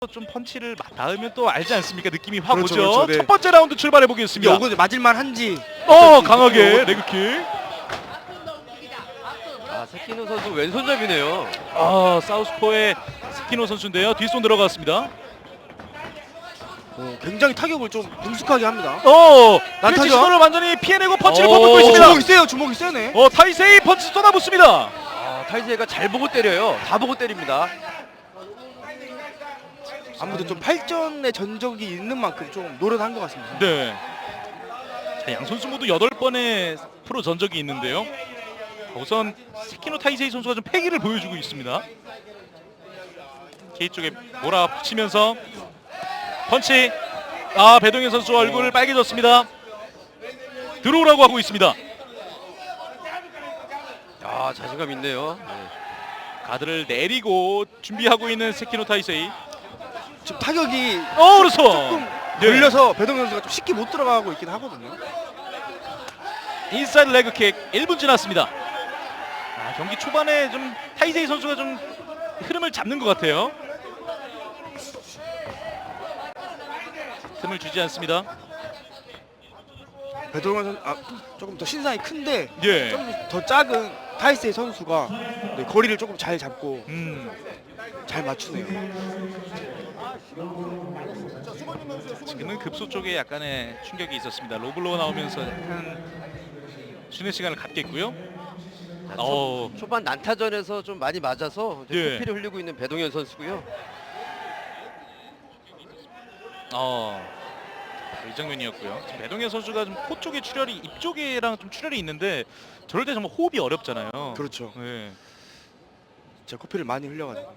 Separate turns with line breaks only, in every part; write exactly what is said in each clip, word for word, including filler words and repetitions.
좀 펀치를 닿으면 또 알지 않습니까? 느낌이 확
그렇죠,
오죠.
그렇죠, 네.
첫 번째 라운드 출발해 보겠습니다.
이거 맞을만 한지.
어, 강하게 레그킥.
아, 세키노 선수 왼손잡이네요.
아, 사우스포의 세키노 선수인데요. 뒷손 들어갔습니다.
어, 굉장히 타격을 좀 능숙하게 합니다.
어,
난타죠?
난타죠. 시도를 완전히 피해내고 펀치를
오,
퍼붓고 있습니다.
주먹이 세요, 주먹이 세네.
어, 타이세이 펀치 쏟아붓습니다.
아, 타이세이가 잘 보고 때려요. 다 보고 때립니다.
아무래도 좀 팔전의 전적이 있는 만큼 좀 노련한 것 같습니다.
네. 자, 양 선수 모두 여덟 번의 프로 전적이 있는데요. 우선 세키노 타이세이 선수가 좀 패기를 보여주고 있습니다. K 쪽에 몰아붙이면서 펀치. 아, 배동현 선수 얼굴 빨개졌습니다. 들어오라고 하고 있습니다.
아, 자신감 있네요. 네.
가드를 내리고 준비하고 있는 세키노 타이세이.
지금 타격이
어, 그렇죠.
조금
네.
걸려서 배동현 선수가 좀 쉽게 못 들어가고 있긴 하거든요.
인사이드 레그킥 일 분 지났습니다. 아, 경기 초반에 좀 타이세이 선수가 좀 흐름을 잡는 것 같아요. 틈을 주지 않습니다.
배동현 선수 아, 조금 더 신상이 큰데
예.
좀 더 작은 타이세이 선수가 네, 거리를 조금 잘 잡고
음.
잘 맞추네요.
지금은 급소 쪽에 약간의 충격이 있었습니다. 로블로가 나오면서 약간 쉬는 시간을 갖겠고요.
자,
어.
초, 초반 난타전에서 좀 많이 맞아서 이제
예.
코피를 흘리고 있는 배동현 선수고요.
어. 이 장면이었고요. 지금 배동현 선수가 좀 코 쪽에 출혈이 입 쪽에랑 좀 출혈이 있는데 저럴 때 정말 호흡이 어렵잖아요.
그렇죠.
네.
제가 커피를 많이 흘려가지고.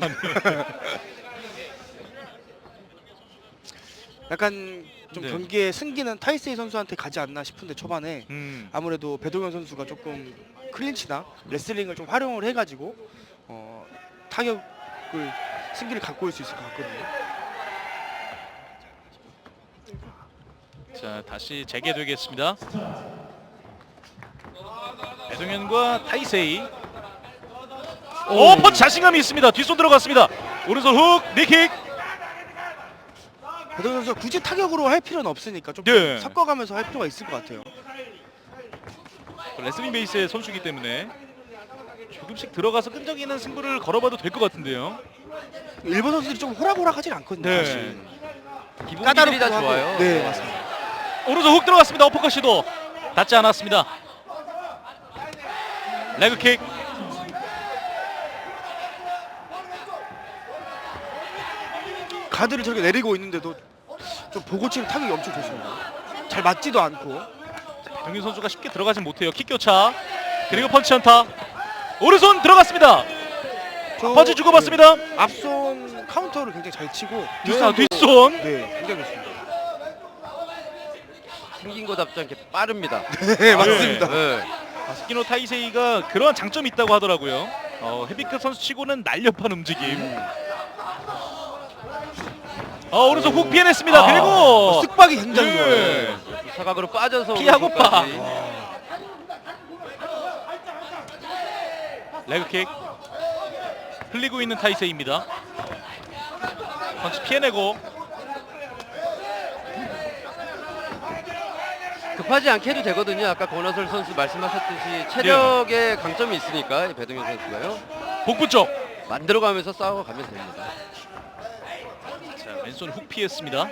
약간 좀
네.
경기의 승기는 타이세이 선수한테 가지 않나 싶은데 초반에
음.
아무래도 배동현 선수가 조금 클린치나 레슬링을 좀 활용을 해가지고 어, 타격을 승기를 갖고 올 수 있을 것 같거든요.
자, 다시 재개되겠습니다. 배동현과 타이세이. 오, 펀치 자신감이 있습니다. 뒷손 들어갔습니다. 오른손 훅, 니킥.
배동현 선수가 굳이 타격으로 할 필요는 없으니까 좀
네.
섞어가면서 할 필요가 있을 것 같아요.
레슬링 베이스의 선수이기 때문에 조금씩 들어가서 끈적이는 승부를 걸어봐도 될 것 같은데요.
일본 선수들이 좀 호락호락하진 않거든요.
네.
사실.
기본기들이 다
하고.
좋아요.
네, 맞습니다.
오른손 훅 들어갔습니다. 어퍼컷 시도 닿지 않았습니다. 레그킥.
가드를 저렇게 내리고 있는데도 좀 보고 치는 타격이 엄청 좋습니다. 잘 맞지도 않고.
배동현 선수가 쉽게 들어가진 못해요. 킥 교차. 그리고 펀치 연타. 오른손 들어갔습니다.
저-
펀치 주고받습니다.
네. 앞손 카운터를 굉장히 잘 치고
뒷손,
뒷손도-
뒷손.
네, 굉장히 좋습니다.
생긴 거답지 않게 빠릅니다.
네, 맞습니다.
네.
아, 스키노 타이세이가 그러한 장점이 있다고 하더라고요. 어, 헤비급 선수치고는 날렵한 움직임. 어, 오른손 훅 피해냈습니다.
아,
그리고
어, 쓱박이 굉장히
예.
좋아요.
사각으로 빠져서
피하고
오른손까지.
레그킥. 흘리고 있는 타이세이입니다. 펀치 피해내고.
급하지 않게 해도 되거든요. 아까 권하솔 선수 말씀하셨듯이 체력에 강점이 있으니까 이 배동현 선수가요.
복부 쪽.
만들어가면서 싸워가면 됩니다.
자, 왼손 훅 피했습니다.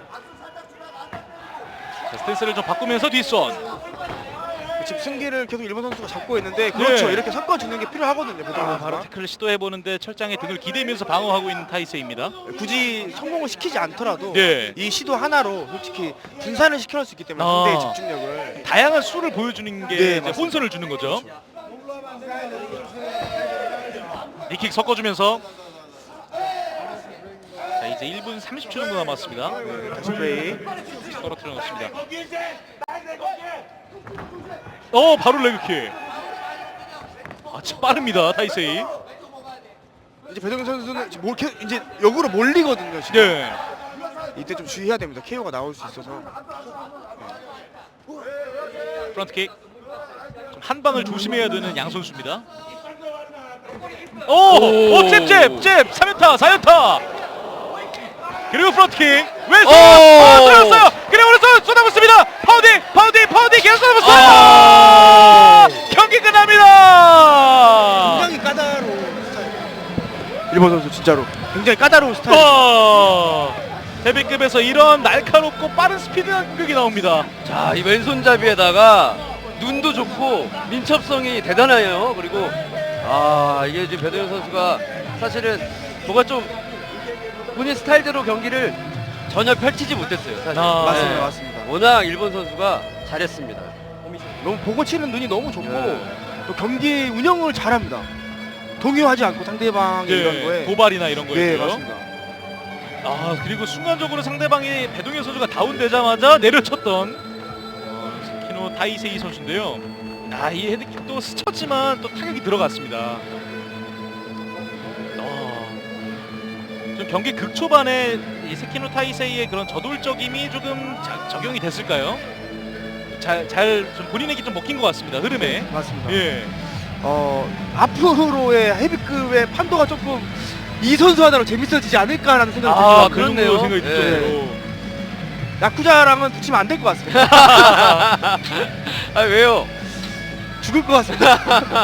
자, 스탠스를 좀 바꾸면서 뒷손.
지금 승기를 계속 일본 선수가 잡고 있는데 그렇죠.
네.
이렇게 섞어주는 게 필요하거든요. 배동현
아,
선수가.
바로 태클을 시도해보는데 철장에 등을 기대면서 방어하고 있는 타이세이입니다.
굳이 성공을 시키지 않더라도
네.
이 시도 하나로 솔직히 분산을 시켜놓을 수 있기 때문에
아.
상대의 집중력을.
다양한 수를 보여주는 게
네,
이제
맞습니다.
혼선을 주는 거죠. 니킥 섞어주면서 자, 이제 일 분 삼십 초 정도 남았습니다.
네, 다시 플레이.
떨어뜨려 놓습니다. 어, 바로 레그킥. 아, 참 빠릅니다, 타이세이.
이제 배동현 선수는 지금 몰, 계속 이제 역으로 몰리거든요. 지금.
네.
이때 좀 주의해야 됩니다. 케이오가 나올 수 있어서.
프런트킥. 좀 한 방을 조심해야 되는 양 선수입니다. 오! 오, 잽, 잽, 잽! 삼 연타, 사 연타! 그리고 프론트킥 왼손
오!
아, 들어갔어요. 그리고 오른손 쏟아붓습니다. 파운딩 파운딩 파운딩 계속 쏟아붓어요.
아!
경기 끝납니다.
굉장히 까다로운 스타일. 일본 선수 진짜로 굉장히 까다로운 스타일.
어, 헤비급에서 이런 날카롭고 빠른 스피드한 공격이 나옵니다.
자, 이 왼손잡이에다가 눈도 좋고 민첩성이 대단해요. 그리고 아, 이게 지금 배동현 선수가 사실은 뭐가 좀 본인 스타일대로 경기를 전혀 펼치지 못했어요. 사실.
아,
맞습니다,
네.
맞습니다.
워낙 일본 선수가 잘했습니다.
너무 보고 치는 눈이 너무 좋고
네.
또 경기 운영을 잘합니다. 동요하지 않고 상대방의 이런
예,
거에.
도발이나 이런
네,
거였고요.
맞습니다.
아 그리고 순간적으로 상대방이 배동현 선수가 다운되자마자 내려쳤던 어, 스키노 타이세이 선수인데요. 아이 헤드킥도 스쳤지만 또 타격이 들어갔습니다. 어, 좀 경기 극초반에 이 스키노 타이세이의 그런 저돌적임이 조금 자, 적용이 됐을까요? 잘 잘 좀 본인에게 좀 먹힌 것 같습니다. 흐름에.
맞습니다.
예.
어, 앞으로의 헤비급의 판도가 조금 이 선수 하나로 재밌어지지 않을까라는 생각이
아
들어요.
그런
그렇네요.
생각이 들
예.
정도로.
야쿠자랑은 붙이면 안 될 것 같습니다.
아, 왜요?
죽을 것 같습니다.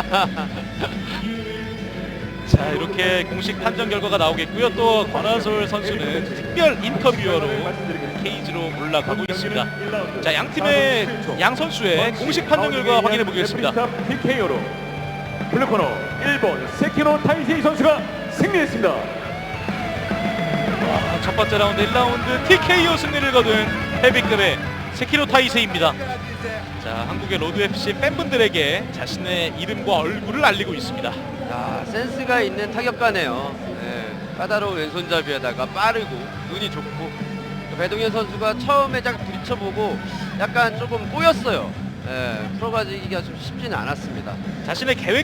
자 이렇게 공식 판정 결과가 나오겠고요. 또 권한솔 선수는 특별 인터뷰어로 케이지로 올라가고 있습니다. 자 양 팀의 양 선수의 공식 판정 결과 확인해 보겠습니다.
티케이오로 블루코너 일본 세키노 타이세이 선수가 승리했습니다.
아, 첫 번째 라운드 일 라운드 티케이오 승리를 거둔 헤비급의 세키로 타이세이입니다. 자 한국의 로드 에프씨 팬분들에게 자신의 이름과 얼굴을 알리고 있습니다.
야, 센스가 있는 타격가네요. 네, 까다로운 왼손잡이에다가 빠르고 눈이 좋고 배동현 선수가 처음에 딱 부딪혀보고 약간 조금 꼬였어요. 네, 풀어가지기가 좀 쉽지는 않았습니다.
자신의 계획